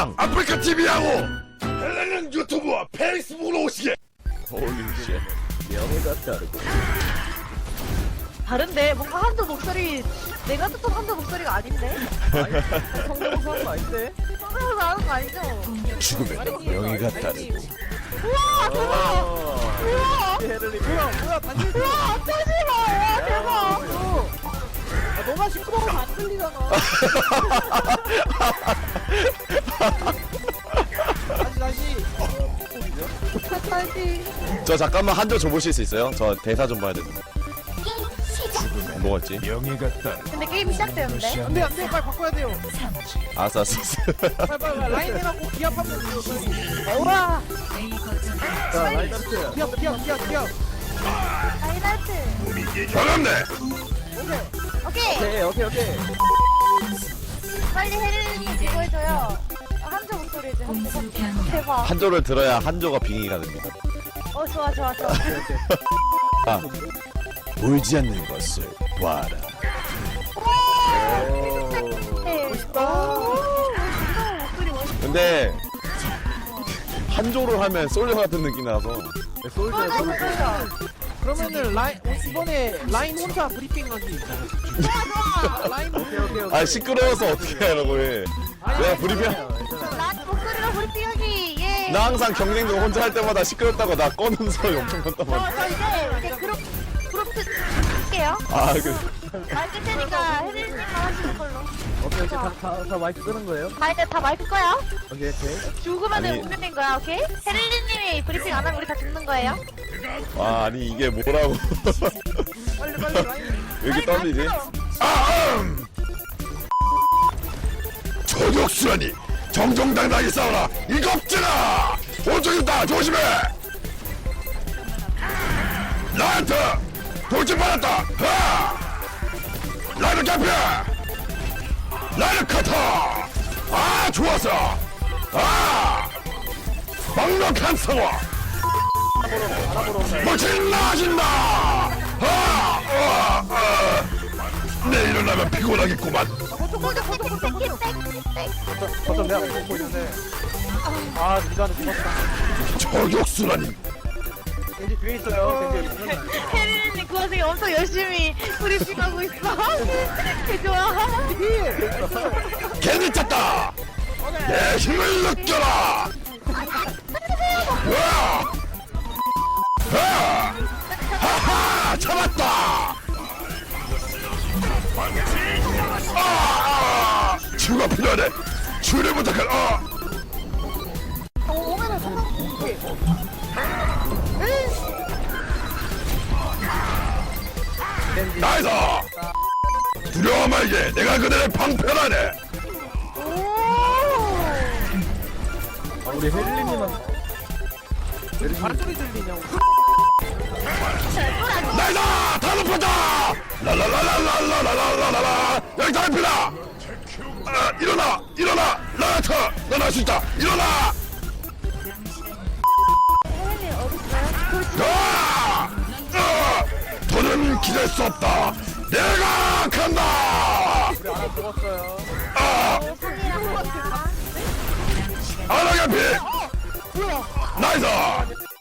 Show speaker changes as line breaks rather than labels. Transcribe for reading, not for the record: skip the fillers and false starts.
당장 아프리카 TV하고 헬렌은 유튜브와 페이스북으로 오시게. 홀리쉣. 명예가 다르고.
다른데 뭔가 한도 목소리 내가 듣던 한도 목소리가 아닌데?
성대모사 하는 거 아닌데?
성대모사 하는 거 아니죠?
죽음에도 명예가 다르고.
우와 대박! 우와!
헤를리 뭐야 단지
우와 짜지마! 와 대박!
너가 시끄러우면 안 들리잖아. 다시
다시
저 잠깐만 한조 줘보실 수 있어요? 저 대사 좀 봐야 되는데. 뭐였지?
명예가 따르
근데 게임 시작되는데?
안돼 빨리 바꿔야 돼요.
알았어.
빨리 라인 해라고 기합 한번 줘요.
우와!
자 라인한테 기합.
다이나트!
반갑네.
오케이!
오케이.
빨리 혜린이 그거 해줘요. 한조 목소리 해줘. 한조. 대박.
한조를 들어야 한조가 빙의가 됩니다.
좋아.
아, 보이지 않는 것을 봐라.
네. 멋있다. 목소리 멋있다.
근데 한조를 하면 솔저 같은 느낌 나서.
솔져.
그러면은 이번에 라인 혼자 브리핑하기. 라인 오케이.
아 시끄러워서 어떻게 하라고 해. 내가 브리핑.
나 목소리로 브리핑하기. 예.
나 항상 경쟁도 혼자 할 때마다 시끄럽다고 나 꺼는 소리 엄청 났단 말이야.
저 이제 그룹 할게요.
아 그.
마이크 테니까 혜린님만 하시는 걸로.
오케이. 다 마이크 끄는 거예요?
이제 다 마이크 거야.
오케이.
죽으면은
아니.
운명인 거야, 오케이? 혜린님이 브리핑 안 하면 우리 다 죽는 거예요.
아 아니 이게 뭐라고.
빨리 라인.
왜 이렇게 떨리지?
저격수라니 정정당당하게 싸워라 이 겁쟁아. 오른쪽 있다 조심해. 나한테 돌진 받았다. 라이더 캠프 라이더 커터. 아 좋았어. 막막한 상황. 멋진 나아진다. 내 일어나면 피곤하겠구만.
어쩜 내가 보고 있는데. 니가는 죽었다.
저격수라니.
겐지 뒤에 있어요.
혜린님 그 와중에 엄청 열심히 브리핑하고 있어. 개 좋아.
괜히 찼다. 내 힘을 느껴라. 하하 잡았다. 치유가 필요하네. 치유를 부탁할.
오면은
나이스. 두려워 말게. 내가 그들을 방패하네.
우리 헬리님은 발소리 들리냐고.
나이스. 다 높았다. 라라라라라라라라라라. 여기 다 높이다. 일어나. 라이터. 넌 할 수 있다. 일어나.
혜린님 어딨어요?
더는 기댈 수 없다. 내가 간다.
우리 하나 죽었어요.
상이랑 같이
아나가피. 나이스.